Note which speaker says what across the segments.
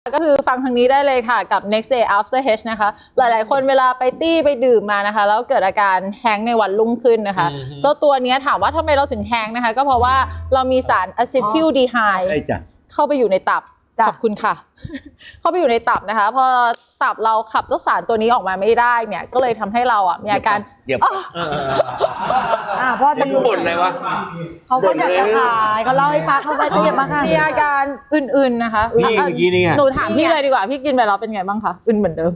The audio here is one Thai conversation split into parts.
Speaker 1: ก็คือฟังทางนี้ได้เลยค่ะกับ next day after H นะคะหลายๆคนเวลาไปตี้ไปดื่มมานะคะแล้วเกิดอาการแฮงในวันรุ่งขึ้นนะคะเจ้าตัวนี้ถามว่าทำไมเราถึงแฮงนะคะก็เพราะว่าเรามีสารอะซิทิลดีไฮด์เข้าไปอยู่ในตับขอบคุณค่ะเข้าไปอยู่ในตับนะคะพอตับเราขับเจ้าสารตัวนี้ออกมาไม่ได้เนี่ยก็เลยทำให้เรามีอาการ
Speaker 2: พ่อจะ
Speaker 3: บ่นอะไรวะ
Speaker 2: เขาก็อยากจะขายเขาเล่าให้ฟังเขาไปเทียบมาค่ะ
Speaker 1: มีอาการอื่นๆนะคะ
Speaker 3: นี่เมื่อกี้นี่ไง
Speaker 1: หนูถามพี่เลยดีกว่าพี่กินไปแล้วเป็นไงบ้างคะอื่นเหมือนเดิม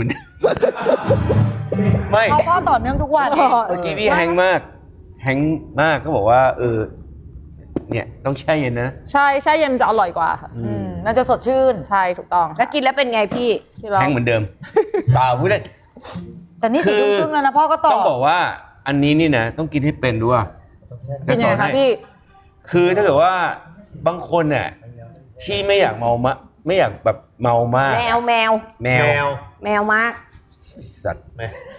Speaker 3: ไม่
Speaker 2: พ่อต่อเนื่องทุกวัน
Speaker 3: เมื่อกี้นี่แฮงมากเขาบอกว่าเนี่ยต้องแช่เย็นนะ
Speaker 1: ใช่แช่เย็นจะอร่อยกว่าค่ะ
Speaker 2: มันจะสดชื่น
Speaker 1: ใช่ถูกต้อง
Speaker 2: แล้วกินแล้วเป็นไงพี่
Speaker 3: แฮงเหมือนเดิมเปล่าพูดได้
Speaker 2: แต่นี่4 ทุ่มครึ่งแล้วนะพ่อก็ต่อ
Speaker 3: ต้องบอกว่าอันนี้นี่นะต้องกินให้เป็นด้วย
Speaker 1: กินยังไงคะพี่
Speaker 3: คือถ้าเกิดว่าบางคนเนี่ยที่ไม่อยากเมามะไม่อยากแบบเมามาก
Speaker 2: แมวมาก
Speaker 3: สัตว์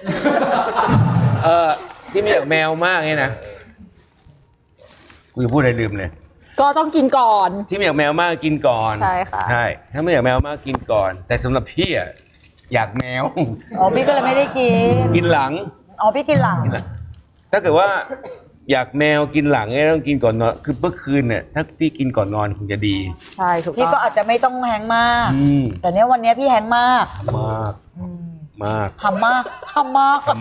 Speaker 3: ที่ไม่อยากแมวมากเนี่ยนะกูจะพูดอะไรลืมเลย
Speaker 1: ก็ต้องกินก่อน
Speaker 3: ที่ไม่อยากแมวมากกินก่อน
Speaker 1: ใช่ค่ะ
Speaker 3: ใช่ถ้าไม่อยากแมวมากกินก่อนแต่สำหรับพี่อยากแมว
Speaker 2: พี่ก็เลยไม่ได้
Speaker 3: กินหลัง
Speaker 2: พี่กินหลัง
Speaker 3: ถ้าเกิดว่าอยากแมวกินหลังเนี่ยต้องกินก่อนนอนคือเมื่อคืนเนี่ยถ้าพี่กินก่อนนอนคงจะดี
Speaker 1: ใช่ถูก
Speaker 2: พี่ก็อาจจะไม่ต้องแฮงมากแต่เนี้ยวันนี้พี่แฮงมากทำมาก
Speaker 3: เท่า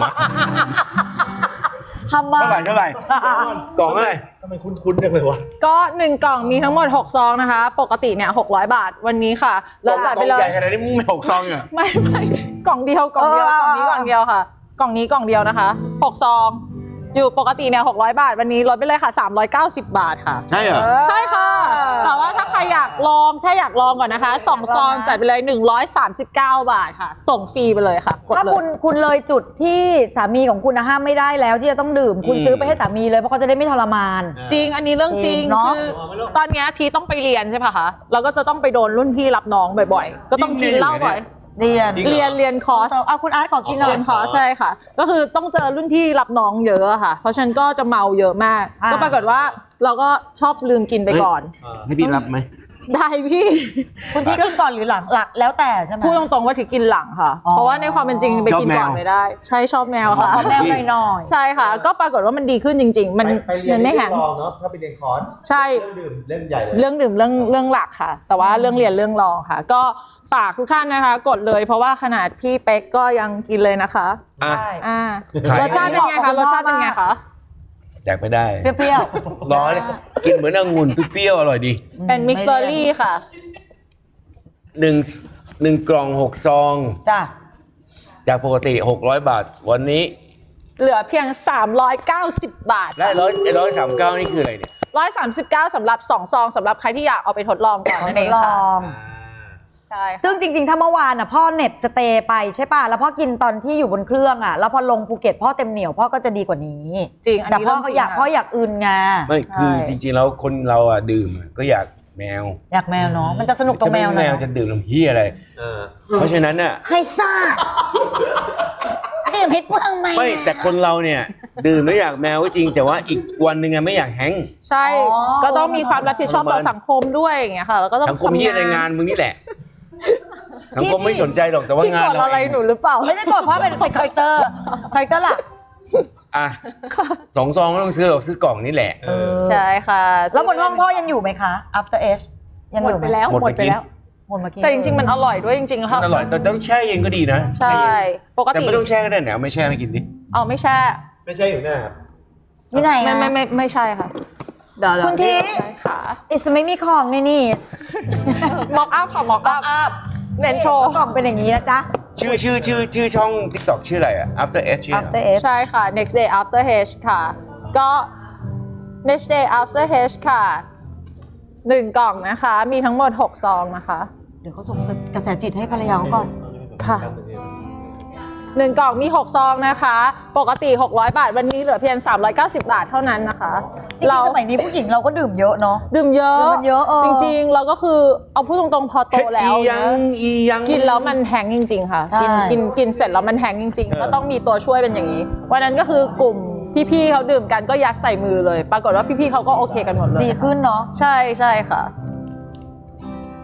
Speaker 3: ไหร่กล่องเท่าไหร่
Speaker 4: ทำไมคุ้นๆจังเลยวะ
Speaker 1: ก็1กล่องมีทั้งหมด6ซองนะคะปกติเนี่ย600 บาทวันนี้ค่ะเราจัดไปเลย
Speaker 3: ใหญ่ขนาดนี้มึงไม่6ซองเหรอ
Speaker 1: ไม่กล่องเดียวกล่องนี้กล่องเดียวค่ะกล่องนี้กล่องเดียวนะคะ6ซองอยู่ปกติเนี่ย600 บาทวันนี้ลดไปเลยค่ะ390 บาทค่ะ
Speaker 3: ใช่เหรอ
Speaker 1: ใช่ค่ะแต่ว่าถ้าใครอยากลองแค่อยากลองก่อนนะคะ2ซองจัดไปเลย139 บาทค่ะส่งฟรีไปเลยค่ะ
Speaker 2: ถ้าคุณเลยจุดที่สามีของคุณห้ามไม่ได้แล้วที่จะต้องดื่มคุณซื้อไปให้สามีเลยเพราะเขาจะได้ไม่ทรมาน
Speaker 1: จริงอันนี้เรื่องจริงคือตอนนี้ทีต้องไปเรียนใช่ป่ะคะเราก็จะต้องไปโดนรุ่นพี่รับน้องบ่อยๆก็ต้องกินเหล้าบ่อยเรียนคอร์ส
Speaker 2: คุณอาร์ตขอกินหน่อย
Speaker 1: เรียนคอร์สใช่ค่ะก็คือต้องเจอรุ่นที่รับน้องเยอะค่ะเพราะฉะนั้นก็จะเมาเยอะมากก็ปรากฏว่าเราก็ชอบลืมกินไปก่อน
Speaker 3: ให้พี่รับไหม
Speaker 1: ได้พี่
Speaker 2: คุณที่กินก่อนหรือหลังแล้วแต่ใช่ไหม
Speaker 1: พูดตรงๆว่าที่กินหลังค่ะเพราะว่าในความเป็นจริงไปกินก่อนไม่ได้ใช่ชอบแมวค่ะ
Speaker 2: แมวหน่อย
Speaker 1: ใช่ค่ะก็ปรากฏว่ามันดีขึ้นจริงๆมันไม่แห้ง
Speaker 4: เนาะถ้าไปเรียนคอร์ส
Speaker 1: ใช่
Speaker 4: เรื่องดื่มเรื่องใหญ่เลย
Speaker 1: เรื่องดื่มเรื่องหลักค่ะแต่ว่าเรื่องเรียนเรื่องรองค่ะก็ฝากทุกท่านนะคะกดเลยเพราะว่าขนาดพี่เป๊กก็ยังกินเลยนะคะรสชาติเป็นไงคะรสชาติเป็นไงคะ
Speaker 3: อยากไม่ได้
Speaker 2: เปรี้ยว
Speaker 3: ร้อนกินเหมือนองุ่นเปรี้ยวอร่อยดี
Speaker 1: เป็นมิกซ์เบอร์รี่ค่ะ
Speaker 3: 1 กล่อง6 ซอง
Speaker 2: จ้ะ
Speaker 3: จากปกติ600 บาทวันนี้
Speaker 1: เหลือเพียง390 บาท
Speaker 3: และ139นี่คืออะไรเนี่ย
Speaker 1: 139สำหรับ2 ซองสำหรับใครที่อยากเอาไปทดลองก่อนนั่นเองค่ะใช่
Speaker 2: ซึ่งจริงๆถ้าเมื่อวานพ่อเน็บสเตย์ไปใช่ป่ะแล้วพ่อกินตอนที่อยู่บนเครื่องแล้วพอลงภูเก็ตพ่อเต็มเหนียวพ่อก็จะดีกว่านี้
Speaker 1: จริง
Speaker 2: แต่พ่ออยากอื่นไง
Speaker 3: ไม่คือจริงๆแล้วคนเราดื่มก็อยากแมว
Speaker 2: อยากแมวเนาะมันจะสนุกตรงแมวนะ
Speaker 3: แมวจะดื่มน้ำเหี้ยอะไรเพราะฉะนั้น
Speaker 2: ให้ซ่าดื่มให้เปลืองไหม
Speaker 3: ไม่แต่คนเราเนี่ยดื่มแล้วอยากแมวก็จริงแต่ว่าอีกวันนึงไม่อยากแฮง
Speaker 1: ใช่ก็ต้องมีความรับผิดชอบต่อสังคมด้วยอย่างเงี้ยค่ะแล้วก็ต้อง
Speaker 3: สังคมเหี้ยในงานมึงนี่แหละสังคมไม่สนใจหรอกแต่ว่างาน
Speaker 1: เราอะไรหนูหรือเปล่า
Speaker 2: ไม่ได้กดเพราะเป็นคาแรคเตอร์หลัก
Speaker 3: 2 ซองก็ต้องซื้อกล่องนี่แหละ
Speaker 1: ใช่ค่ะ
Speaker 2: แล้วบนห้องพ่อยังอยู่ไหมคะ after H ยังอยู่
Speaker 1: ไปแล้วหมดไปแล้วแต่จริงๆมันอร่อยด้วยจริงๆค่ะ
Speaker 3: อร่อยแต่ต้องแช่เย็นก็ดีนะ
Speaker 1: ใช่ปกติ
Speaker 3: แต่ไม่ต้องแช่ก็ได้เนี่ยไม่แช่ไม่กินดิ
Speaker 1: ไม่แช่
Speaker 4: อยู่หน้าครับ
Speaker 2: ที่ไหน
Speaker 1: ไม่ใช่ค่ะเดี๋ยว
Speaker 2: คุณที
Speaker 1: ค่ะ
Speaker 2: ไม่มีของนี่
Speaker 1: ม็อกอัพค่ะม็อกอัพเน้นโชว์
Speaker 2: กล่องเป็นอย่างนี้นะจ๊ะ
Speaker 3: ชื่อช่อง TikTok ชื่ออะไรAfter H
Speaker 1: ใช่ค่ะ next day after H ค่ะก็ next day after H ค่ะ1 กล่องนะคะมีทั้งหมด6 ซองนะคะ
Speaker 2: เดี๋ยวเขาส่งกระแสจิตให้ภรรยาเขาก่อน
Speaker 1: ค่ะ1 กล่องมี6 ซองนะคะปกติ600 บาทวันนี้เหลือเพียง390 บาทเท่านั้นนะคะ
Speaker 2: เราสมัยนี้ผู้หญิงเราก็ดื่มเยอะเนาะ
Speaker 1: ดื่มเยอะจริงๆเราก็คือเอาพูดตรงๆพอโตแล้วกินแล้วมันแฮงจริงๆค่ะกินเสร็จแล้วมันแฮงจริงๆก็ต้องมีตัวช่วยเป็นอย่างนี้วันนั้นก็คือกลุ่มพี่ๆเขาดื่มกันก็ยัดใส่มือเลยปรากฏว่าพี่ๆเขาก็โอเคกันหมดเลย
Speaker 2: ดีขึ้นเนาะ
Speaker 1: ใช่ค่ะ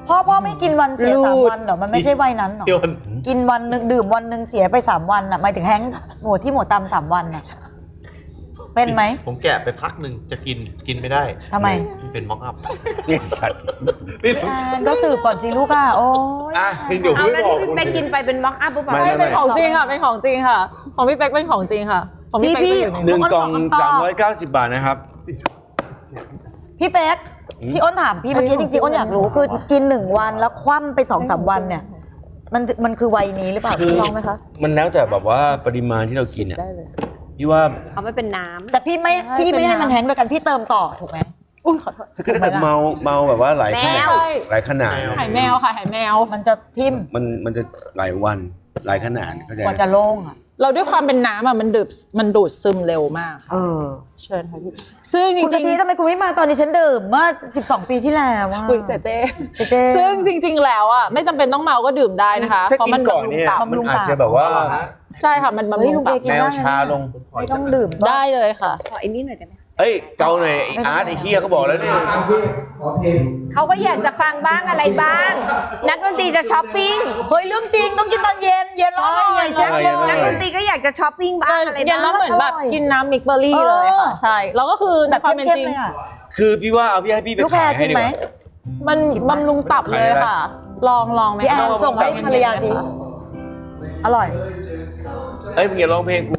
Speaker 2: พ่อไม่กินวันเสีย
Speaker 1: รูด
Speaker 2: 3 วันเหรอมันไม่ใช่วัยนั้นเหรอ
Speaker 4: เดี๋ยวมัน
Speaker 2: กินวันหนึ่งดื่มวันหนึ่งเสียไป3 วันอ่ะหมายถึงแฮงก์หมวดที่หมวดตาม3 วันอ่ะเป็นไหม
Speaker 4: ผมแกะไปพักหนึ่งจะกินไม่ได้
Speaker 2: ทำไม
Speaker 4: มันเป็นม็อกอัพ
Speaker 3: นี่สัตว์
Speaker 4: นี่
Speaker 2: แอนก็สืบก่อนสิลูกอ่ะโอ้ย
Speaker 4: อ่ะเดี๋ยว
Speaker 5: เอา
Speaker 4: ไม่
Speaker 5: แล้ว
Speaker 4: บอก
Speaker 5: ที่พี่เป๊กกินไปเป็นม็อกอัพหรือเปล่า
Speaker 3: ไม่
Speaker 1: เป็นของจริงค่ะเป็นของจริงค่ะ ของพี่เป๊กเป็นของจริงค่ะของพี่เป๊กจะอยู่ใน
Speaker 3: หนึ่งกล่อง
Speaker 2: ทุกคนบอก
Speaker 3: 390 บาทนะครับ
Speaker 2: พี่เป๊กที่อ้นถามพี่เมื่อกี้จริงๆอ้นอยากรู้คือกิน1 วันแล้วคว่ำไป2-3 วันเนี่ยมันคือวัยนี้หรือเปล่า
Speaker 3: คือ
Speaker 2: พี่ลองไหมคะ
Speaker 3: มันแล้วแต่แบบว่าปริมาณที่เรากินอ่ะ
Speaker 1: ได้เลย
Speaker 3: พี่ว่า
Speaker 5: เอาไม่เป็นน้ำ
Speaker 2: แต่พี่ไม่
Speaker 1: ใช่
Speaker 2: พี่ไม่ให้
Speaker 1: เป็นน้ำ
Speaker 2: มันแฮงก์โดยการพี่เติมต่อถูกไหม
Speaker 1: อุ้ยขอโทษ
Speaker 3: ถ้าเกิดเมาแบบว่าหลายขนาด
Speaker 1: ใช่
Speaker 3: หลายขนาด
Speaker 1: หายแมวค่ะหายแมว
Speaker 2: มันจะทิ่ม
Speaker 3: มันจะหลายวันหลายขนาดเข้าใจ
Speaker 2: ก
Speaker 3: ไหม
Speaker 2: ว่าจะโล่งอ่ะ
Speaker 1: เราด้วยความเป็นน้ำอ่ะมันดูดซึมเร็วมากค่ะ
Speaker 2: เออ
Speaker 1: เชิญค่ะพี่ซึ่งจ
Speaker 2: คุณ
Speaker 1: ริ
Speaker 2: กะ
Speaker 1: ง
Speaker 2: ทิทำไมคุณไม่มาตอนนี้ฉันดื่มเมื่อ12 ปีที่แล้วว่า
Speaker 1: ๆคุยเจ๊
Speaker 2: เจ๊
Speaker 1: ซึ่งจริง ๆ แล้วอ่ะไม่จำเป็นต้องเมาก็ดื่มได้นะคะ
Speaker 3: ถ้า
Speaker 1: เพราะ
Speaker 3: กิ
Speaker 1: มัน น
Speaker 3: ก่อน
Speaker 1: บำรุง
Speaker 3: เนี่ย
Speaker 1: ตับ
Speaker 3: มันอาจจะแบบว่า
Speaker 1: ใช่ค่ะมันบำ
Speaker 2: เฮ้
Speaker 1: รุ
Speaker 2: ย
Speaker 1: ง
Speaker 2: ลุง
Speaker 1: ตั
Speaker 2: เบ
Speaker 1: บ
Speaker 2: กิน
Speaker 3: แมว
Speaker 2: ได้
Speaker 3: ชาลง
Speaker 2: ไม่ต้องดื่ม
Speaker 1: ได้เลยค่ะ
Speaker 5: ขอไอ้นี่หน่อยได้ไหม
Speaker 3: เอ้ยเกาหน่อยไอ้อาร์ตไอ้เฮียเขาบอกแล้วเนี่ย
Speaker 5: เขาก็อยากจะฟังบ้างอะไรบ้าง นักดนตรีจะช้อปปิ้ง
Speaker 2: เฮ้ยเรื่องจริงต้องกินตอนเย็นเย็นร้อนหน่อยแจ๊ค
Speaker 3: เออ
Speaker 2: เล
Speaker 3: เย็นร้
Speaker 5: นัก
Speaker 3: ห
Speaker 5: ด
Speaker 3: อย
Speaker 5: นตรีก็อยากจะช้อปปิ้งบ้างอะไร
Speaker 1: เย็น
Speaker 5: บ้า
Speaker 1: แล้ว
Speaker 5: ง
Speaker 1: เหมือนแบบ
Speaker 2: อร่อย
Speaker 1: กินน้ำมิกเบอร์รี่เลยค่ะใช่แล้วก็คือในความเป็นจริง
Speaker 2: เลยอะ
Speaker 3: คือพี่ว่าเอาพี่ให้พี่ไป
Speaker 2: ลูกแพร
Speaker 3: ขาย
Speaker 2: ชิ
Speaker 3: ให้
Speaker 2: ม
Speaker 3: ดี
Speaker 2: ไหม
Speaker 3: กว่า
Speaker 1: มันบำรุงตับเลยค่ะ ลองไหม
Speaker 2: พี่แอนส่งให้ภรรยาสิอร่อย
Speaker 3: เอ้ยมึงอย่าร้องเพลงกู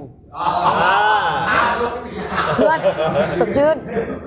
Speaker 2: เพื่อนสดชื่น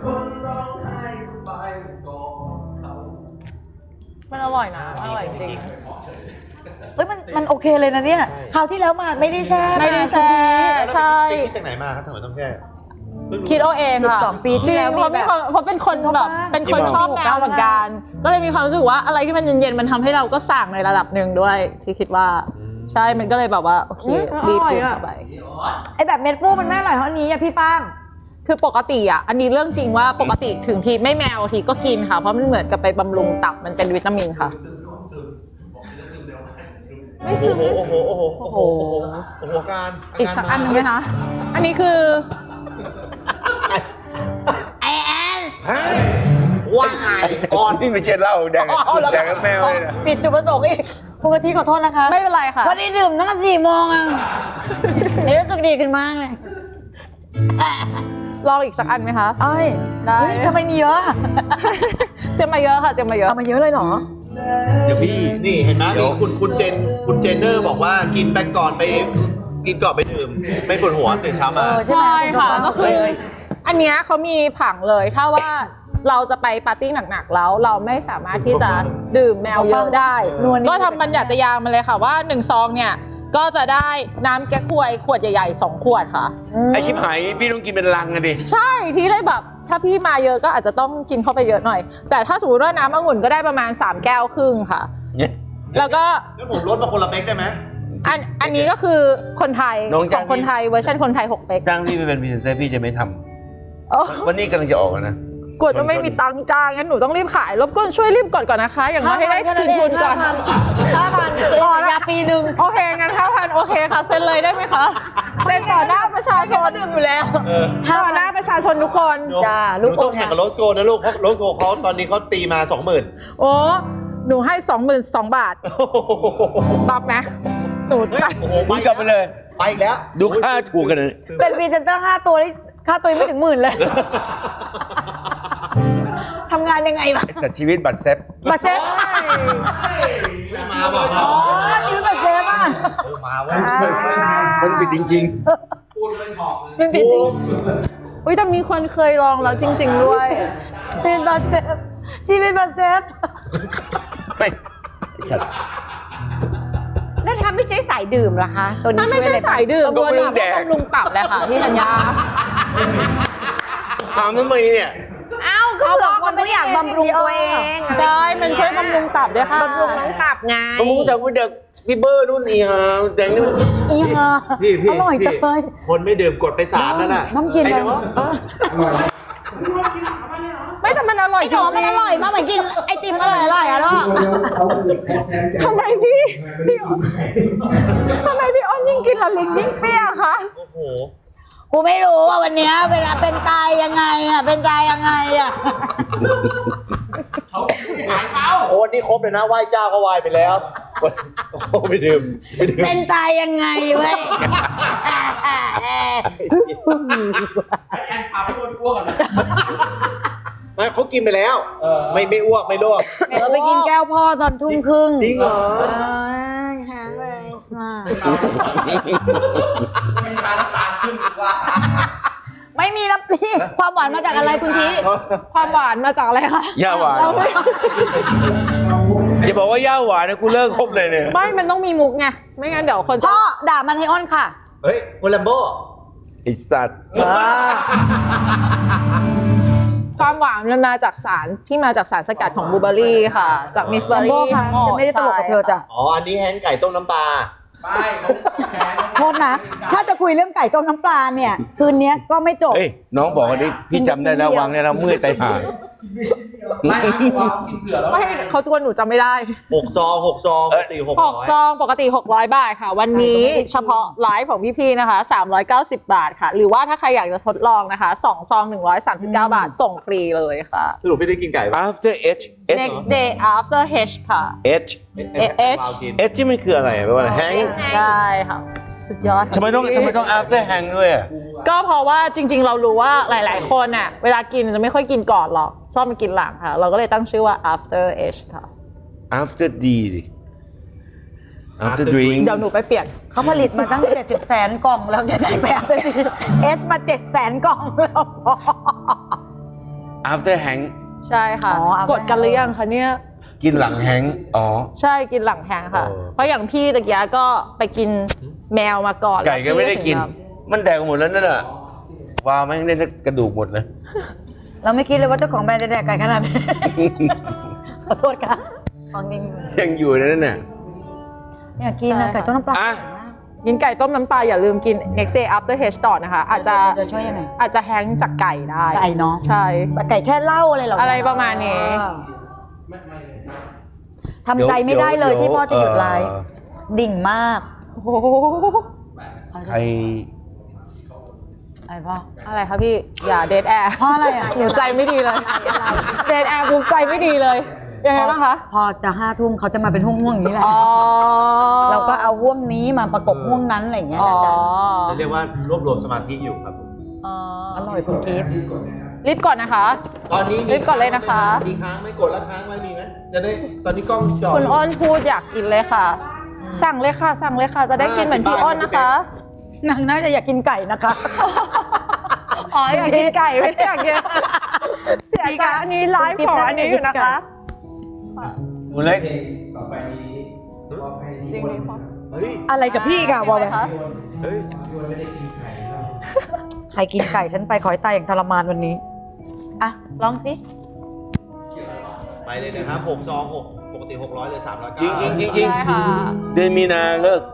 Speaker 1: มันอร่อยนะอร่อยจริง
Speaker 2: เฮ้ยมันโอเคเลยนะเนี่ยคราวที่แล้วมาไม่ได้แช่
Speaker 1: ไม่ได้แช่ใช่
Speaker 4: ไปคิดจากไหนมาครับทำไมต้องแช่เพิ่งรู้
Speaker 1: คิดเอาเองค่ะ
Speaker 2: 12 ปี
Speaker 1: จ
Speaker 2: ที่
Speaker 1: ริง
Speaker 2: แล้ว
Speaker 1: เพราะเป็นคนเพราะเป็นคนแบบเป็นคนชอบแมวเหมือนกัน ก็เลยมีความรู้สึกว่าอะไรที่มันเย็นๆมันทำให้เราก็สั่งในระดับหนึ่งด้วย ที่คิดว่าใช่มันก็เลยแบบว่าโอเครีบดื่มเข้าไป
Speaker 2: ไอแบบเม็ดฟูมันไม่อร่อยเท่านี้อะพี่ฟาง
Speaker 1: คือปกติอ่ะอันนี้เรื่องจริงว่าปกติถึงทีไม่แมวทีก็กินค่ะ เพราะมันเหมือนกับไปบำรุงตับมันเป็นวิตามินค่ะ ไม่ซึม
Speaker 4: โอ้โหโอ้โหโอ้โหโอ้โหโอ้โหการ
Speaker 1: อีกสักอันหนึงไหมคะอันนี้คือ
Speaker 4: ว่าไงอ่อน
Speaker 3: นี่ไม่ใช่เหล้าแดงแดงกับแมวเลยนะ
Speaker 2: ปิดจุดประสงค์อีกคุณกะทิขอโทษนะคะ
Speaker 1: ไม่เป็นไรค่ะ
Speaker 2: วันนี้ดื่มตั้งแต่4 โมงอะเดี๋ยวรู้สึกดีขึ้นมากเลย
Speaker 1: ลองอีกสักอันไหมคะ
Speaker 2: เอ้ย
Speaker 1: ได้
Speaker 2: เฮ้ยทำไมมีเยอะอะ
Speaker 1: เตรียมมาเยอะค่ะเตรียมมาเยอะ
Speaker 2: เอามาเยอะเลยเหรอ
Speaker 3: เดี๋ยวพี่
Speaker 4: นี่เห็นไหม
Speaker 3: เดี๋ยว
Speaker 4: นี่คุณเจนเนอร์บอกว่ากินไปก่อนไปดื่มไม่ปวดหัวตื่นเช้ามา
Speaker 2: เออ ใช่ไหม
Speaker 1: ใช่ค่ะ
Speaker 2: คุณ
Speaker 1: ก็คือ
Speaker 2: เลย
Speaker 1: อันเนี้ยเขามีผังเลยถ้าว่าเราจะไปปาร์ตี้หนักๆแล้วเราไม่สามารถที่จะดื่มแมวเยอะได้ ก็ทำบัญญัติยางมาเลยค่ะว่า1 ซองเนี่ยก็จะได้น้ำแก้ควยขวดใหญ่ๆ2 ขวดค่ะ
Speaker 3: ไอชิบหายพี่ต้องกินเป็นลังอะดิ
Speaker 1: ใช่ที่เลยแบบถ้าพี่มาเยอะก็อาจจะต้องกินเข้าไปเยอะหน่อย แต่ถ้าสมมติว่าน้ำองุ่นก็ได้ประมาณ3 แก้วครึ่งค่ะ
Speaker 3: เนี่ย
Speaker 1: แล้วก็
Speaker 4: แล้วผมลดมาคนละเป๊กได้ไหม
Speaker 1: อันนี้ก็คือคนไทย
Speaker 3: น้อง
Speaker 1: ข
Speaker 3: จ้า
Speaker 1: อง งคนไทยเวอร์ชันคนไทย6 เป๊ก
Speaker 3: จ้างพี่ไปเป็นพรีเซนเตอร์พี่จะไม่ท
Speaker 1: โอ้
Speaker 3: ำวันนี้กำลังจะออกแล้วนะ
Speaker 1: กลัวจะไม่มีตังค์จ้างงั้นหนูต้องรีบขายรบกวนช่วยรีบกดก่อนนะคะ อย่างน้อยให้ได้คืนทุนก่อน
Speaker 2: 5,000ยาปีหนึ่ง
Speaker 1: โอเคงั้น5,000โอเคค่ะเซ็นเลยได้ไหมคะเซ็นต่อหน้าประชาชนดื่มอยู่แล้วต่อหน้าประชาชนทุกคน
Speaker 2: จ้า
Speaker 4: ห
Speaker 2: ลู
Speaker 4: นู
Speaker 2: ก
Speaker 4: ต้องแข่งกับโรสโกนะลูกเพราะโรสโกเขาตอนนี้เขาตีมา 20,000
Speaker 1: โอ้หนูให้ 22,000 บาทบับไหมหนูจ่าย
Speaker 4: โอ้โห
Speaker 3: มึงกลับไปเลย
Speaker 4: ไปอีกแล้ว
Speaker 3: ดูค่าถูกกันเลย
Speaker 2: เป็นพรีเซนเตอร์5 ตัวนี่ค่าตัวยังไม่ถึง10,000เลยทำงานยังไงวะ
Speaker 3: สัตว์ชีวิตบัตรเซฟ
Speaker 2: บัตรเซฟ
Speaker 4: มาบอก
Speaker 2: อ๋อชีวิตบัตรเซฟอ่ะ
Speaker 4: มาเว้ย
Speaker 3: มันปิดจริง
Speaker 2: เป็นผิดจริง
Speaker 1: อุ้ยแต่มีคนเคยลองแล้วจริง ๆ ด้วย
Speaker 2: ชีวิตบัตรเซฟชีวิตบัตรเซฟ
Speaker 3: ๆไม่ไอ้สัตว์
Speaker 5: แล้วถ้าไม่ใช่สายดื่มล่ะคะ ตัวนี้
Speaker 1: ถ้าไม่ใช่
Speaker 5: ช่วยอะรบ้ง
Speaker 1: สายดื่ม
Speaker 3: ก็
Speaker 1: ตัว
Speaker 3: ไม่
Speaker 1: นี้
Speaker 3: ต้องแดก
Speaker 1: บำรุงตับเลยค่ะพี่ธัญญา
Speaker 3: ถามทำไมเนี่ย
Speaker 5: เอ้าก็เผื่อคนไม่อยากบำรุงตัวเอง
Speaker 1: ได้มันช่วยบำรุงตับด้วยค่ะ
Speaker 5: บำรุงน้องตับไง
Speaker 3: ผมรู้จักว่าเด็กพี่เบอร์รุ่นอีฮาแดงนี่มัน
Speaker 2: อีห่า
Speaker 4: พี่
Speaker 2: อร่อยจังเลย
Speaker 4: คนไม่ดื่มกดไป3แล้วน่ะ
Speaker 2: น้ำกิน
Speaker 4: ไอ้
Speaker 2: เลย
Speaker 4: เนาะ
Speaker 1: ไม่แต่มันอร่อยจริง
Speaker 2: มันอร่อยมากเหมือนกินไอติมอร่อยอะเนาะ
Speaker 1: ทำไมพี่ทำไมพี่อ้นยิ่งกินและลิ้นยิ่งเปรี้ยคะ
Speaker 4: โอ้โห
Speaker 2: กูไม่รู้ว่าวันเนี้ยเวลาเป็นตายยังไงอะเป็นตายยังไงอะ
Speaker 4: โอ้นี่ครบเลยนะไหว้เจ้าก็ไหว้ไปแล้วโอ้ไปดื่ม
Speaker 2: เป็นตายยังไงเว้ย
Speaker 4: ไม่เขากินไปแล้ว ไม่อ้วกไม่ลวก
Speaker 2: เราไปกินแก้วพ่อตอนทุ่มครึ่ง
Speaker 4: จริงเหรอ
Speaker 2: ไม่มีน้ำพี่ความหวานมาจากอะไรคุณที
Speaker 1: ความหวานมาจากอะไรคะ
Speaker 3: ย่าหวานอย่าบอกว่าย่าหวานนะกูเลิกคบเลยเนี่ย
Speaker 1: ไม่มันต้องมีมุกไงไม่งั้นเดี๋ยวคนจะ
Speaker 2: พ่อด่ามันให้อ้อนค่ะ
Speaker 4: เฮ้ยคุณลัมโบ
Speaker 3: ไอสัตว์
Speaker 1: ความหวานมันมาจากสารที่มาจากสารสกัดของบลูเบอร์รี่ค่ะ จากมิสเบอร์
Speaker 2: Jumbo
Speaker 1: รี่
Speaker 2: ค่ะจะไม่ได้ตลกกับเธอจ้ะ
Speaker 4: อ๋ออันนี้แฮงก์ไก่ต้มน้ำปลา
Speaker 2: โทษนะ ถ้าจะคุยเรื่องไก่ต้มน้ำปลาเนี่ย คืนนี้ก็ไม่จบ
Speaker 3: เฮ้ยน้องบอกว่านี่พี่จำได้แล้ววางเนี่ยเราเมื่อยไตห่า
Speaker 4: ไม่กินเผื่อแล้ว
Speaker 1: ไม่เขาทวนหนูจำไม่ได้
Speaker 4: 6 ซองปกติ600
Speaker 1: 6 ซองปกติ 600 บาทค่ะ วันนี้เฉพาะไลฟ์ของพี่ๆนะคะ 390 บาทค่ะ หรือว่าถ้าใครอยากจะทดลองนะคะ2 ซอง 139 บาท ส่งฟรีเลยค่ะ
Speaker 4: สรุปพี่ได้กินไก่ปะ
Speaker 3: after H
Speaker 1: next day after H ค่ะ
Speaker 3: H
Speaker 1: H
Speaker 4: กิน
Speaker 3: H ที่มันคืออะไรแปลว่าแฮง
Speaker 1: ใช่ค่ะ สุดยอดค่ะ
Speaker 3: ทำไมต้อง after hang ด้วยอ่ะ
Speaker 1: ก็เพราะว่าจริงๆ เรารู้ว่าหลายๆ คนน่ะเวลากินจะไม่ค่อยกินก่อนหรอก ชอบมากินหลังค่ะ เราก็เลยตั้งชื่อว่า after H ค่ะ
Speaker 3: after D ดิ after drink
Speaker 1: เดี๋ยวหนูไปเปลี่ยน
Speaker 2: เขาผลิตมาตั้ง70 แสนกล่องแล้วจะได้แบบเอสมา7 แสนกล่องแล้ว
Speaker 3: after hang
Speaker 1: ใช่ค่ะ
Speaker 2: อ๋อ after
Speaker 1: กดกันหรือยังคะเนี่ย
Speaker 3: กินหลังแฮงอ๋อ
Speaker 1: ใช่กินหลังแทงค่ะ เพราะอย่างพี่ตะกี้ก็ไปกินแมวมาก่อน
Speaker 3: ไก่ก็ไม่ได้กิน
Speaker 1: แล้วพี่
Speaker 3: มันแดกหมดแล้วนั่นแหละวาแม่งได้สักกระดูกหมดเลย
Speaker 2: เราไม่คิดเลยว่าเจ้าของแบรนด์จะแดกไก่ขนาดนี้ ขอโทษค่ะของจริง
Speaker 3: ยังอยู่ในนั่นน่ะ
Speaker 2: อยากกินนะไก่ต้มน้ำปลา
Speaker 3: อ่ะ
Speaker 1: กินไก่ต้มน้ำปลาอย่าลืมกิน next day after H ต่อนะคะ อาจจะ
Speaker 2: จะช่วยยังไง
Speaker 1: อาจจะแฮงจากไก่ได้
Speaker 2: ไก่เนาะ
Speaker 1: ใช่
Speaker 2: ไก่แช่เหล้าอะไรเหรอ
Speaker 1: อะไรประมาณนี้
Speaker 2: ทำใจไม่ได้เลยที่พ่อจะหยุดไลฟ์ดิ่งมาก
Speaker 1: โอ้โห
Speaker 3: ใคร
Speaker 2: อะไรพ่อ
Speaker 1: อะไรคะพี่อย่าเดทแอร์
Speaker 2: เพราะอะไรอ่ะ
Speaker 1: หนูใจไม่ดีเลยเดทแอร์ภูมิใจไม่ดีเลยยังไงบ้างคะ
Speaker 2: พอจะ5 ทุ่มเขาจะมาเป็นห่วงๆอย่างนี้แหละ
Speaker 1: อ๋อ
Speaker 2: เราก็เอาห่วงนี้มาประกบห่วงนั้นอะไรอย่างเงี้ย
Speaker 1: อ๋อ
Speaker 2: นะจ๊ะ
Speaker 4: เรียกว่ารวบรวมสมาธิอยู่ครับ
Speaker 1: อ๋อ
Speaker 2: อร่อยคุณกิฟต์
Speaker 1: รีบก่อนนะคะ
Speaker 4: ตอนนี้
Speaker 1: รีบก่อนเลยนะคะ
Speaker 4: มีค้างไหม่กดแล้วค้างไว้มีไหมจะได้ตอนนี้กล้องจอ
Speaker 1: คุณอ้นพูดอยากกินเลยค่ะ สั่งเลยค่ะ สั่งเลยค่ะ จะได้กินเหมือนพี่อ้นนะคะ
Speaker 2: นางน่าจะอยากกินไก่นะคะ
Speaker 1: อ๋ออยากกินไก่ไม่ได้อยากกินเสียใจอันนี้ไลฟ์ของอันนี้อยู่นะคะ
Speaker 3: คุณเล็ก
Speaker 1: จริงดิพ่อ
Speaker 4: เฮ้ย
Speaker 2: อะไรกับพี่กะบอกเลย
Speaker 1: คะ
Speaker 4: เฮ้ย
Speaker 2: ใครกินไก่ฉันไปขอให้ตายอย่างทรมานวันนี้อ่ะลองสิ
Speaker 4: ไปเลยนะครับ6 ซอง 6 ปกติ 600เลย309
Speaker 3: จริงจริงจริงจริง
Speaker 1: ใช่ค่ะ
Speaker 3: เดือนมีนาเลิก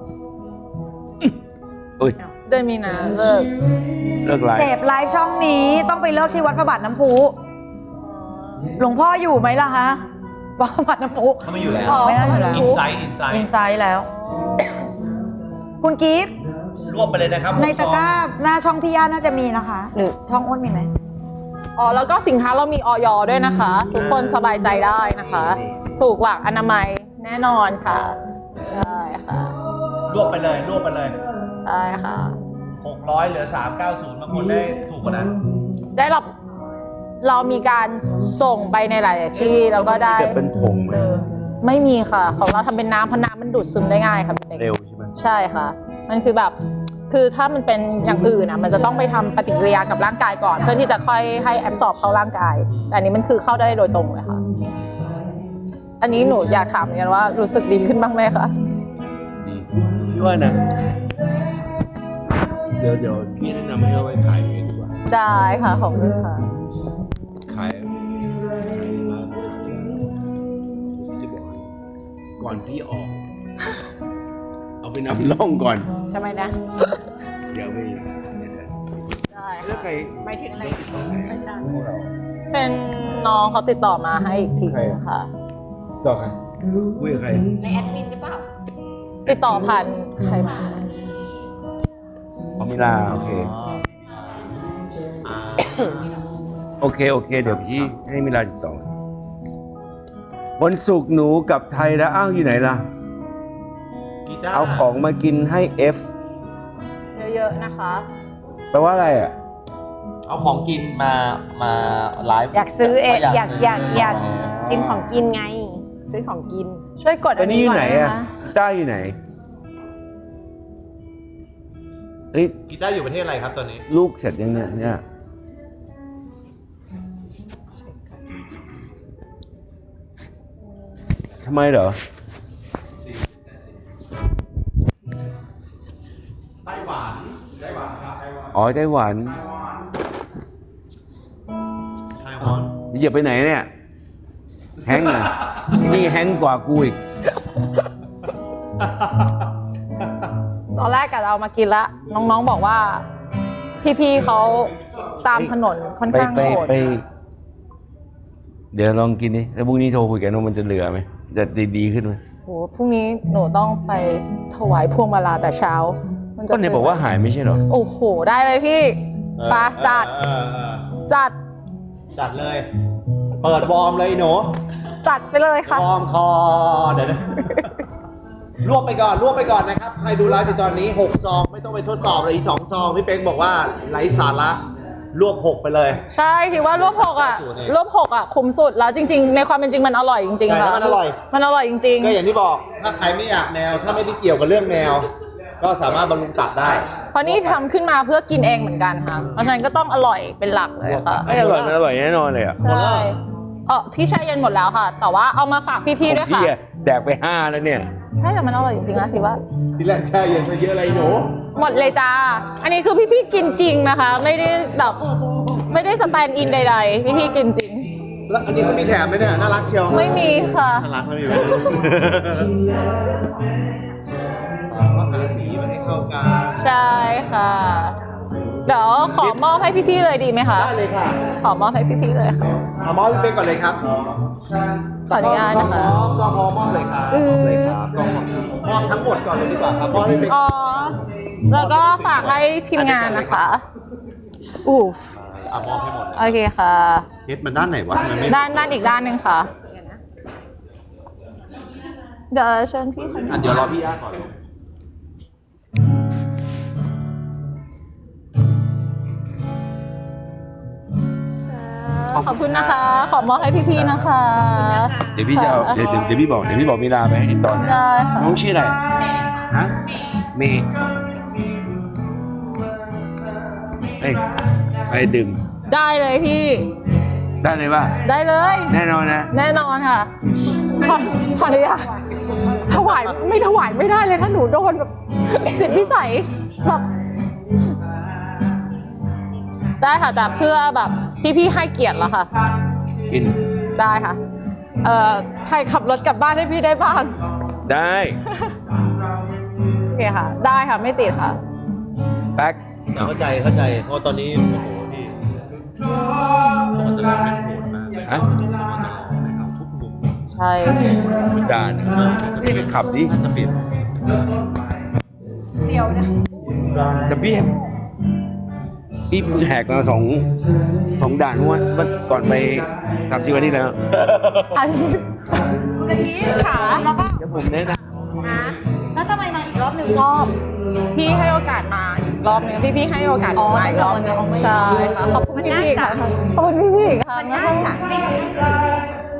Speaker 3: อุ้ย
Speaker 1: เดือนมีนาเลิก
Speaker 3: เลิกไล
Speaker 2: เส
Speaker 3: ฟ์
Speaker 2: พไลฟ์ช่องนี้ต้องไปเลิกที่วัดพระบาทน้ำพุหลวงพ่ออยู่ไหมล่ะฮะวัดพระบาทน้ำพุ
Speaker 4: เขาไม่อยู่แล้ว
Speaker 2: ไม่ได้อยู่แล้ว
Speaker 4: อินไซต์
Speaker 2: อินไซด์แล้ว คุณกิฟต์
Speaker 4: รวบไปเลยนะครับ
Speaker 2: ในตะกร้าหน้าช่องพี่ย่าน่าจะมีนะคะ หรือช่องอ้นมีไหม
Speaker 1: อ๋อแล้วก็สินค้าเรามีออยด้วยนะคะ ทุกคนสบายใจได้นะคะ ถูกหลักอนามัยแน่นอนค่ะ ใช่ค่ะ
Speaker 4: รวบไปเลยรวบไปเลย
Speaker 1: ใช่ค่ะ
Speaker 4: 600เหลือ390บางคนได้ถูกกว่านั้น
Speaker 1: ได้รับเรามีการส่งไปในหลายๆที่แล้วก็ได้
Speaker 3: จะเป็นผงไหม
Speaker 1: ไม่มีค่ะ ของเราทำเป็นน้ำเพราะน้ำมันดูดซึมได้ง่ายค่ะพี่เล็ก
Speaker 3: เร็วใช่ไหม
Speaker 1: ใช่ค่ะ มันคือแบบคือถ้ามันเป็นอย่างอื่นอ่ะมันจะต้องไปทำปฏิกิริยากับร่างกายก่อน เพื่อที่จะค่อยให้แอบสอบเข้าร่างกาย แต่อันนี้มันคือเข้าได้โดยตรงเลยค่ะ อันนี้หนูอยากถามเหมือนกันว่ารู้สึกดีขึ้นบ้างไหมคะ
Speaker 3: ดีพี่ว่านะ เดี๋ยวพี่แนะนำให้เอาไว้ขายเองดีกว่า
Speaker 1: จ่ายค่ะขอบคุณค่ะ
Speaker 3: ขายมาจะบอกก่อนพี่ออก เอาไปนำร่องก่อน
Speaker 1: ทำไมนะ
Speaker 3: เดี๋ยวไม่
Speaker 1: ได้
Speaker 3: แล้วใคร
Speaker 1: ไม่ถึงอะไรเป็นน้องเขาติดต่อมาให้อีกทีค่ะ
Speaker 3: ต่อใครคุยกับใคร
Speaker 5: ในแอดมินหรือเปล่า
Speaker 1: ติดต่อผ่านใครมา
Speaker 3: เอามิลาโอเค โอเค เดี๋ยวพี่ให้มิลาติดต่อวันศุกร์หนูกลับไทยแล้วอ้าวอยู่ไหนล่ะ
Speaker 4: กีตาร์
Speaker 3: เอาของมากินให้ F
Speaker 1: เยอะๆนะคะ
Speaker 3: แปลว่าอะไรอ่ะ
Speaker 4: เอาของกินมาไลฟ์
Speaker 5: อยากซื้อเองอยาก
Speaker 4: ซื้
Speaker 5: อยากกินของกินไง ซื้อของกิน
Speaker 1: ช่วยกด
Speaker 3: ตอนนี้อยู่ไหนอ่ะ
Speaker 1: ก่
Speaker 3: กีต้าร์อยู่ไหนเฮ้ย
Speaker 4: กีตาร์อยู่ประเทศอะไรครับตอนนี้
Speaker 3: ลูกเสร็จยังเนี่ยทำไมเหรอ
Speaker 4: ไต้หวันครับ
Speaker 3: อ๋อไต้หวัน
Speaker 4: ไต้หวัน
Speaker 3: อย่าไปไหนเนี่ย แฮงก์อ่ะนี่แฮงก์กว่ากูอีก
Speaker 1: ตอนแรกกะจะเอามากินละ น้องๆบอกว่า พี่ๆเขาตามถนนค่อนข้างโหด
Speaker 3: เดี๋ยวลองกินดิแล้วพรุ่งนี้โทรคุยกันว่ามันจะเหลือไหมจะดีขึ้นไหม
Speaker 1: โหพรุ่งนี้หนูต้องไปถวายพวงมาลาแต่เช้า มันจะ
Speaker 3: ก็ไหนบอกว่าหายไม่ใช่เหรอ
Speaker 1: โอ้โห ได้เลยพี่ปาจัด จัด
Speaker 4: จัดเลย เปิดวอร์มเลยหนู
Speaker 1: จัดไปเลยค่ะ
Speaker 4: วอร์มคอเดี๋ยวนะ รวบไปก่อนนะครับ ใครดูไลฟ์อยู่ตอนนี้ 6 ซอง ไม่ต้องไปทดสอบเลยอีก 2 ซอง พี่เป๊กบอกว่าไร้สาระรวบ 6 ไปเลย
Speaker 1: ใช่พี่ว่าลวกหกอ่ะลวกหกอ่ะคุ้มสุดแล้วจริง ๆ ในความเป็นจริงมันอร่อยจริงๆ
Speaker 4: ใช่
Speaker 1: ค่ะ
Speaker 4: แล้วมันอร่อย
Speaker 1: มันอร่อยจริง
Speaker 4: ก็อย่างที่บอก ถ้าใครไม่อยากแนว ถ้าไม่ได้เกี่ยวกับเรื่องแนว ก็สามารถบำรุงตับได้
Speaker 1: ๆ เพราะนี่ทำขึ้นมาเพื่อกินเองเหมือนกันค่ะ เพราะฉะนั้นก็ต้องอร่อยเป็นหลักเลยค่ะ
Speaker 3: ไม่อร่อยมันอร่อยแน่นอนเลยอ่ะ
Speaker 1: ใช่ที่แช่เย็นหมดแล้วค่ะ แต่ว่าเอามาฝากพี่ๆด้วย
Speaker 3: พี่
Speaker 1: ค่ะ
Speaker 3: อะแดกไป5แล้วเนี่ย
Speaker 1: ใช่แต่มันอร่อยจริงๆนะพี่ว่า
Speaker 4: ที่แรกแช่เย็นซะเยอะอะไรหนู
Speaker 1: หมดเลยจ้า อันนี้คือพี่ๆกินจริงนะคะ ไม่ได้แบบไม่ได้สแตนด์อินใดๆ พี่ๆกินจริง
Speaker 4: แล้วอันนี้เขามีแถมไหมเนี่ย น่ารักเชียว
Speaker 1: ไม่มีค่ะ
Speaker 4: น่ารักไม่มีเลยก็หาสีมาให้เข้ากัน
Speaker 1: ใช่ค่ะ เดี๋ยวขอมอบให้พี่ๆเลยดีไหมคะ
Speaker 4: ได้เลยค่ะ
Speaker 1: ขอมอบให้พี่ๆเลยค่ะ
Speaker 4: เอามอบพี่เป๊กก่อนเลยครับ
Speaker 1: ขออนุญาตนะคะ
Speaker 4: ก็พอมอบเลยครับมอบเลยครับก็มอบทั้งหมดก่อนเลยดีกว่าครับมอบให้พี่เป๊ก
Speaker 1: อ๋อ แล้วก็ฝากให้ทีมงานนะคะอูฟ
Speaker 4: มอบให้หมดเลย
Speaker 1: โอเคค่ะ
Speaker 4: เฮ็ดมันด้านไหนวะมันไม่
Speaker 1: ด้านอีกด้านหนึ่งค่ะ เดี๋ยวเชิญพี่คนนี้
Speaker 4: เดี๋ยวรอพี่ย่าก่อน
Speaker 1: ขอบคุณนะคะ ขอมอบให้พี่ๆนะคะ
Speaker 3: เดี๋ยวพี่จะเอาเดี๋ยวพี่บอกมีลาไปให้ตอนนะ
Speaker 1: ได้ค่ะ
Speaker 3: น้องชื่ออะไรฮะเมย์เอ้ยไปดื่ม
Speaker 1: ได้เลยพี่
Speaker 3: ได้เลยป่ะ
Speaker 1: ได้เลย
Speaker 3: แน่นอนนะ
Speaker 1: แน่นอนค่ะ ขออนุญาตถวายไม่ได้เลยถ้าหนูโดนแบบจิตพิสัยแบบได้ค่ะแต่เพื่อแบบพี่ๆให้เกียรติแล้วค่ะ
Speaker 3: กิน
Speaker 1: ได้ค่ะใครขับรถกลับบ้านให้พี่ได้บ้าง
Speaker 3: ได้
Speaker 1: โอเคค่ะ ได้ค่ะไม่ติดค่ะ
Speaker 3: แป๊ก
Speaker 4: เข้าใจเพราะตอนนี้โอ้โหพี่มันจะร้อนเป็นโหดมาก
Speaker 3: ฮะ
Speaker 4: มันจะร้อนนะครับทุกมุม
Speaker 1: ใช่
Speaker 3: ด่านพี่ไปขับดิ
Speaker 4: จะปิด
Speaker 3: แต่พี่แหกมาสองด่านเมื่อวันก่อนไป30 วันที่แล้ว
Speaker 1: อันนี้
Speaker 2: กะทิขาแล้วก็
Speaker 3: เดี๋ยวผมแนะน
Speaker 2: แล้วทำไมมาอีกรอบหนึ่งชอบ
Speaker 1: พี่ให้โอกาสมาอีกรอบนึงพี่ให้โอกาสหนูมาอีกรอบนึงใช่ค่ะขอบคุณพี่ๆค่ะขอบคุณพี่ๆอีกค่ะ
Speaker 2: มันน่าจะไม่ใช่ตลาด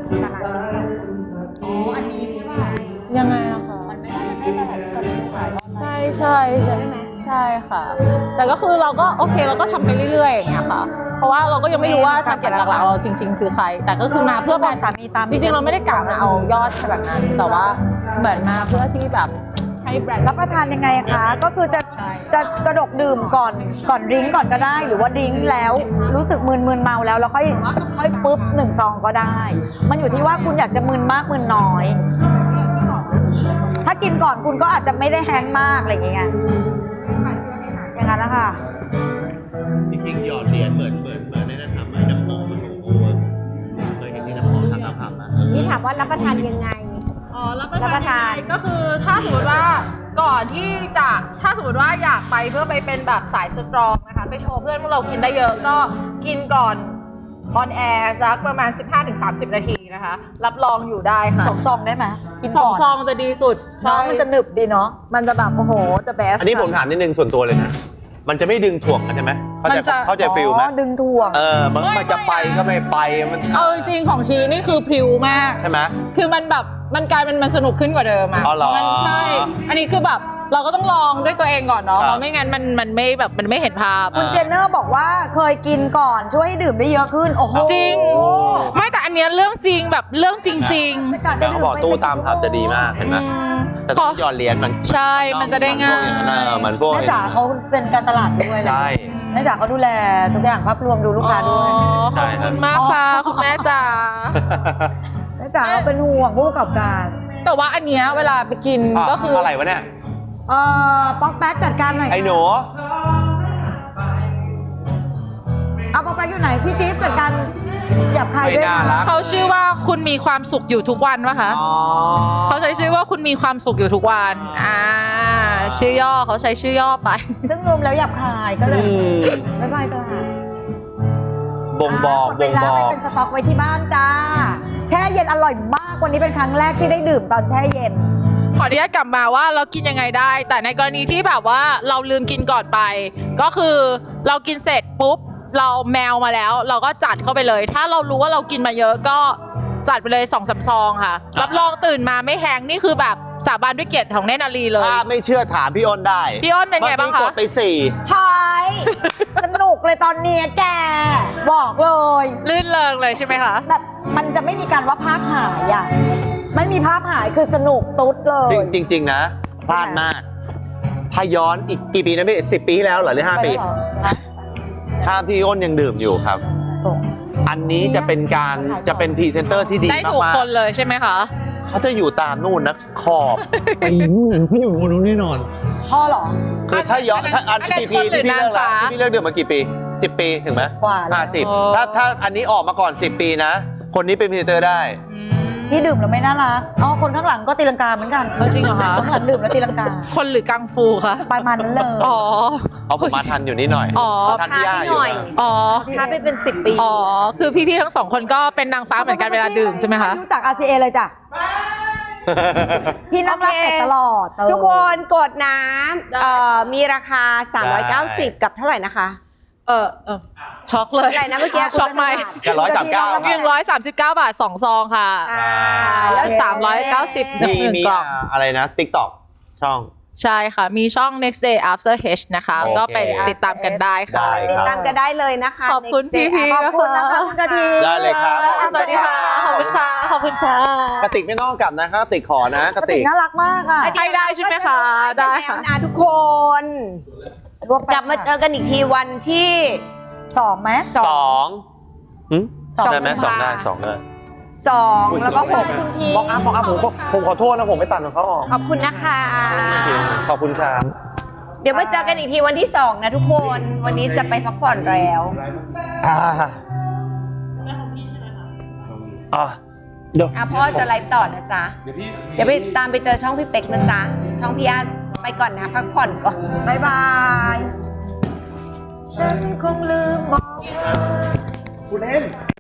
Speaker 2: อ๋ออันนี้ใช่ป่ะ
Speaker 1: ยังไงนะคะ
Speaker 2: มันไม่น่าจะใช่ตลาดที่เขาดูขายออนไลน์
Speaker 1: ใช่ใช่ค่ะ แต่ก็คือเราก็โอเคเราก็ทำไปเรื่อยๆอย่างเงี้ยค่ะ เพราะว่าเราก็ยังไม่รู้ว่าทาร์เก็ตหลักๆเราจริง ๆ คือใคร แต่ก็คือมาเพื่อแบรนด์
Speaker 2: สามีตาม
Speaker 1: จริงๆเราไม่ได้กะมาเอายอดขนาดนั้น แต่ว่าเหมือนมาเพื่อที่แบบให้แบรนด์
Speaker 2: รับประทานยังไงอะคะ ก็คือจะกระดกดื่มก่อนดริงก์ก่อนก็ได้ หรือว่าดริงก์แล้วรู้สึกมึนเมาแล้วค่อยปุ๊บ1 ซองก็ได้ มันอยู่ที่ว่าคุณอยากจะมึนมากมึนน้อย ถ้ากินก่อนคุณก็อาจจะไม่ได้แฮงก์มากอะไรอย่างเงี้ยอย่างนั้นนะคะ
Speaker 4: จริงๆหยอดเหรียญเหมือนในนั้นทำไอ้น้ำหอมมันโอ้โหเคยเห็นที่น้ำหอมทำผับนะ
Speaker 5: นี่ถามว่ารับประทานยังไง
Speaker 1: อ๋อรับประทานก็คือถ้าสมมติว่าก่อนที่จะถ้าสมมติว่าอยากไปเพื่อไปเป็นแบบสายสตรองนะคะไปโชว์เพื่อนว่าเรากินได้เยอะก็กินก่อนออนแอร์สักประมาณ 15-30 นาทีนะคะ รับรองอยู่ได้ค่ะ
Speaker 2: 2 ซองได้ไหมกิน
Speaker 1: สอง
Speaker 2: ก่อน
Speaker 1: ซองจะดีสุด
Speaker 2: เนาะมันจะหนึบดีเนาะ
Speaker 1: มันจะแบบโอ้โห the best
Speaker 4: อันนี้ผมถามนิดนึงส่วนตัวเลยนะ มันจะไม่ดึงถ่วงกันใช่ไหมเข้าใจฟิลไหม
Speaker 2: อ๋อดึงถ่วง
Speaker 4: มันจะไปก็ไม่ไปมัน
Speaker 1: เอาจริงๆของทีนี่คือพริ้วมาก
Speaker 4: ใช่ไหม
Speaker 1: คือมันแบบมันกลายเป็นมันสนุกขึ้นกว่าเดิมอะ
Speaker 4: อ๋อเหรอ
Speaker 1: มันใช่ อันนี้คือแบบเราก็ต้องลองด้วยตัวเองก่อนเนาะ
Speaker 4: ครับ
Speaker 1: เพราะไม่งั้นมันไม่แบบมันไม่เห็นภาพ
Speaker 2: คุณเจนเนอร์บอกว่าเคยกินก่อนช่วยให้ดื่มได้เยอะขึ้น โอ้โห
Speaker 1: จริง ไม่แต่อันเนี้ยเรื่องจริงแบบเรื่องจริง
Speaker 2: ไม่กล้า
Speaker 4: แต่เขาบอกตู้ตามผับจะดีมากเห็นไหม
Speaker 1: ๆ
Speaker 4: แต่ต้องหยอดเหรียญมัน
Speaker 1: ใช่มันจะได้ง่าย
Speaker 4: เหมือนพวก
Speaker 2: แม่จ๋าเขาเป็นการตลาดด้วยเลย
Speaker 4: ใช่
Speaker 2: แม่จ๋าเขาดูแลทุกอย่างภาพรวมดูลูกค้าด้วย
Speaker 1: อ๋อขอบคุณมากค่ะคุณแม่จ๋า
Speaker 2: แม่จ๋าเขาเป็นห่วงผู้ประกอบการ
Speaker 1: แต่ว่าอันเนี้ยเวลาไปกินก็คืออ
Speaker 4: อะไรวะเนี่ย
Speaker 2: ป๊อกแป๊กจัดการหน่อย
Speaker 4: ไอ้หนู
Speaker 2: เอาป๊อกแป๊กอยู่ไหนพี่จิ๊บจัดการหยาบคาย
Speaker 4: ไม่
Speaker 2: ด้วย
Speaker 4: น่า
Speaker 2: ค่ะ
Speaker 4: รัก
Speaker 1: เขาชื่อว่าคุณมีความสุขอยู่ทุกวันวะคะ
Speaker 4: อ๋อ
Speaker 1: เขาใช้ชื่อว่าคุณมีความสุขอยู่ทุกวันชื่อย่อเขาใช้ชื่อย่อไป
Speaker 2: ซึ่งรวมแล้วหยาบคายก็เลย
Speaker 4: อืม
Speaker 2: บ๊ายบายตลาด
Speaker 4: บ่งบอก
Speaker 2: หมดไปแล้ว
Speaker 4: บ่งบอก
Speaker 2: ไปเป็นสต็อกไว้ที่บ้านจ้า แช่เย็นอร่อยมากวันนี้เป็นครั้งแรกที่ได้ดื่มตอนแช่เย็น
Speaker 1: ขออนุญาตกลับมาว่าเรากินยังไงได้ แต่ในกรณีที่แบบว่าเราลืมกินก่อนไป ก็คือเรากินเสร็จปุ๊บเราแมวมาแล้ว เราก็จัดเข้าไปเลย ถ้าเรารู้ว่าเรากินมาเยอะก็จัดไปเลย2-3 ซองค่ะรับรองตื่นมาไม่แห้งนี่คือแบบสาบานด้วยเกียรติของเนตรนารีเลย
Speaker 4: ถ้าไม่เชื่อถามพี่อ้นได้
Speaker 1: พี่อ้นเป็นไงบ้างคะ
Speaker 4: มื่อกี้กดไป
Speaker 2: หายสนุกเลยตอนเนี้ยแก บอกเลย
Speaker 1: ลื่นเริงเลยใช่ไหมคะ
Speaker 2: แบบมันจะไม่มีการว่าภาพหายอ่ะไม่มีภาพหายคือสนุกตุ๊ดเลย
Speaker 4: 4 จริง ๆ นะพลาดมาก ถ้าย้อนอีกกี่ปีนะพี่10 ปีที่แล้วเหรอหรือ5 ปี
Speaker 2: ไปแล้วเหรอฮะ
Speaker 4: ถ้าพี่อ้นยังดื่มอยู่ครับ
Speaker 2: โอ้
Speaker 4: อันนี้จะเป็นการจะเป็นพรีเซนเตอร์ที่ดี
Speaker 1: ได้ถูก
Speaker 4: มาก
Speaker 1: คนเลยใช่ไหมคะ
Speaker 4: ๆเขาจะอยู่ตามนู่นนะขอบไปนู่นพี่อยู่บนนู้นแน่นอน
Speaker 2: พ่อเหรอ
Speaker 4: คือถ้าย้อนถ้าอัน
Speaker 1: อันนั้น
Speaker 4: กี่ปี
Speaker 1: คนหรือ
Speaker 4: ที่พี่เลิกแล้ว
Speaker 1: นางฟ้า
Speaker 4: ที่พี่เลิกดื่มมากี่ปี10 ปีถึงไหม
Speaker 2: กว่าแล้ว
Speaker 4: 50ถ้าอันนี้ออกมาก่อน10 ปีนะ คนนี้เป็นพรีเซนเตอร์ได้
Speaker 2: ที่ดื่มแล้วไม่น่ารักอ๋อคนข้างหลังก็ตีลังกาเหมือนกัน
Speaker 1: จริงเหรอคะ
Speaker 2: ข้างหลังดื่มแล้วตีลังกา
Speaker 1: คนหรือกังฟูคะ
Speaker 2: ประมาณนั้นเลย
Speaker 1: อ๋อ
Speaker 4: เอาผมมาทันอยู่นิดหน่อย
Speaker 1: อ๋อ
Speaker 4: ทันพี่ย่าอยู่นะ
Speaker 1: อ๋อ
Speaker 5: ช้าไปเป็น 10 ปี
Speaker 1: อ๋อ คือพี่ๆทั้งสองคนก็เป็นนางฟ้าเหมือนกันเวลาดื่มใช่ไหมคะ
Speaker 2: รู้จัก RCA เลยจ้ะ พี่นั่งรับเป็ดตลอด
Speaker 5: ทุกคนกดน้ำมีราคา 390 กับเท่าไหร่นะคะ
Speaker 1: ช็อกเลย
Speaker 5: อะไรนะเมื่อกี้
Speaker 1: ช็อกไหม
Speaker 4: แค่139
Speaker 1: 139 บาท2 ซองค่ะ แล้ว390
Speaker 4: มี
Speaker 1: 1
Speaker 4: มี
Speaker 1: กล่อง
Speaker 4: อะไรนะ TikTok ช่อง
Speaker 1: ใช่ค่ะ มีช่อง next day after h นะคะ
Speaker 4: โอเค
Speaker 1: ก็ไปติดตามกันได้ค่ะ
Speaker 4: ได้
Speaker 5: ติดตามกันได้เลยนะคะ
Speaker 1: ขอบคุณ
Speaker 5: Next Day
Speaker 1: พี่ๆ
Speaker 2: ขอบคุณนะคะคุณกะทิ
Speaker 4: ได้เลยครับ
Speaker 1: สวัสดีค่ะ ขอบคุณค่ะ ขอบคุณค่ะ
Speaker 4: กระติกไม่ต้องกลับนะครับกระติกขอนะกระติก
Speaker 2: น่ารักมากอ่ะ
Speaker 1: ให้ได้ใช่ไหมคะ ได้ค่ะ
Speaker 5: นะทุกคน
Speaker 2: รวมไป
Speaker 5: กลับมาเจอกันอีกทีวันที่
Speaker 2: 2ไหม
Speaker 4: สองหึ
Speaker 2: สอง
Speaker 4: ได้ไหม
Speaker 5: กุม
Speaker 4: สอง
Speaker 5: ภา
Speaker 4: ได้2ได้
Speaker 5: 2 แล้วก็
Speaker 2: คุณพี
Speaker 4: บอกอัพผมขอโทษนะผมไม่ตัดของเขาออก
Speaker 5: 6 ขอบคุณนะคะ
Speaker 4: ขอบคุณครับ
Speaker 5: เดี๋ยวมาเจอกันอีกทีวันที่ 2 นะทุกคน วันนี้จะไปพักผ่อนแล้ว เดี๋ยวพ่อจะไลฟ์ต่อนะจ๊ะ เดี๋ยวไปตามไปเจอช่องพี่เป็กนะจ๊ะ ช่องพี่อาร์ตไปก่อนนะพักผ่อนก่อน
Speaker 2: บายบาย ฉันคงลืมบอกเธอ
Speaker 4: คุณเล่น